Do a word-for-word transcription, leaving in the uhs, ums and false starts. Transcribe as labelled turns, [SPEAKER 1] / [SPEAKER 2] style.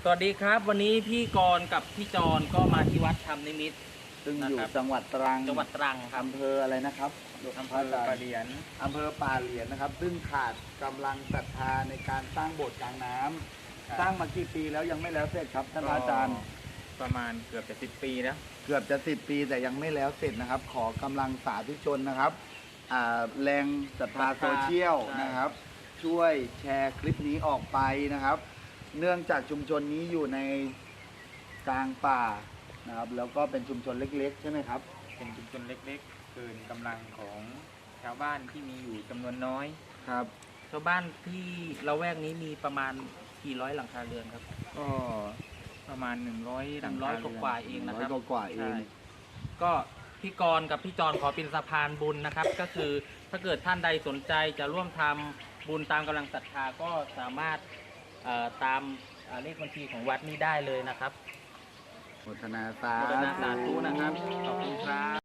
[SPEAKER 1] สวัสดีครับวันนี้พี่กรณ์กับพี่จรก็มาที่วัดธรรมนิมิตร
[SPEAKER 2] ซึ่งอยู่
[SPEAKER 1] นะครับ
[SPEAKER 2] จังหวัดตรัง
[SPEAKER 1] จังหวัดตรังครับ
[SPEAKER 2] อำเภออะไรนะครับ
[SPEAKER 3] อำเภอปะเหลียน
[SPEAKER 2] อำเภอป่าเหลียนนะครับ ซึ่งขาดกำลังศรัทธาในการสร้างโบสถ์กลางน้ำ
[SPEAKER 3] ครับ
[SPEAKER 2] สร้างมากี่ปีแล้วยังไม่แล้วเสร็จครับท่านพระอาจารย์
[SPEAKER 3] ประมาณเกือบจะสิบปีแล้ว
[SPEAKER 2] เกือบจะสิบปีแต่ยังไม่แล้วเสร็จนะครับ ขอกำลังสาธุชนนะครับอ่าแรงศรัทธาโซเชียล
[SPEAKER 1] ใช่
[SPEAKER 2] นะครับ ช่วยแชร์คลิปนี้ออกไปนะครับ เนื่องจากชุมชนนี้อยู่ในกลางป่านะครับ แล้วก็เป็นชุมชนเล็กๆ ใช่ไหมครับ
[SPEAKER 3] เป็นชุมชนเล็กๆ เกินกำลังของชาวบ้านที่มีอยู่จำนวนน้อย
[SPEAKER 2] ครับ
[SPEAKER 1] ชาวบ้านที่ละแวกนี้มีประมาณกี่ร้อยหลังคาเรือนครับ
[SPEAKER 3] ก็ประมาณหนึ่งร้อยหลัง
[SPEAKER 1] ร้อย
[SPEAKER 3] คาเรือน
[SPEAKER 1] กว่าๆเองนะครับ
[SPEAKER 2] ร้อยกว่าๆเอง
[SPEAKER 1] ใช่ก็พี่กรณ์กับพี่จรขอเป็นสะพานบุญนะครับ ก็คือถ้าเกิดท่านใดสนใจจะร่วมทำบุญตามกำลังศรัทธาก็สามารถเอ่อตามเอ่อเลขบัญชีของวัดนี้ได้เลยนะครับ
[SPEAKER 2] โมทนาสา
[SPEAKER 1] โมทนาสาธุนะครับขอบคุณครับ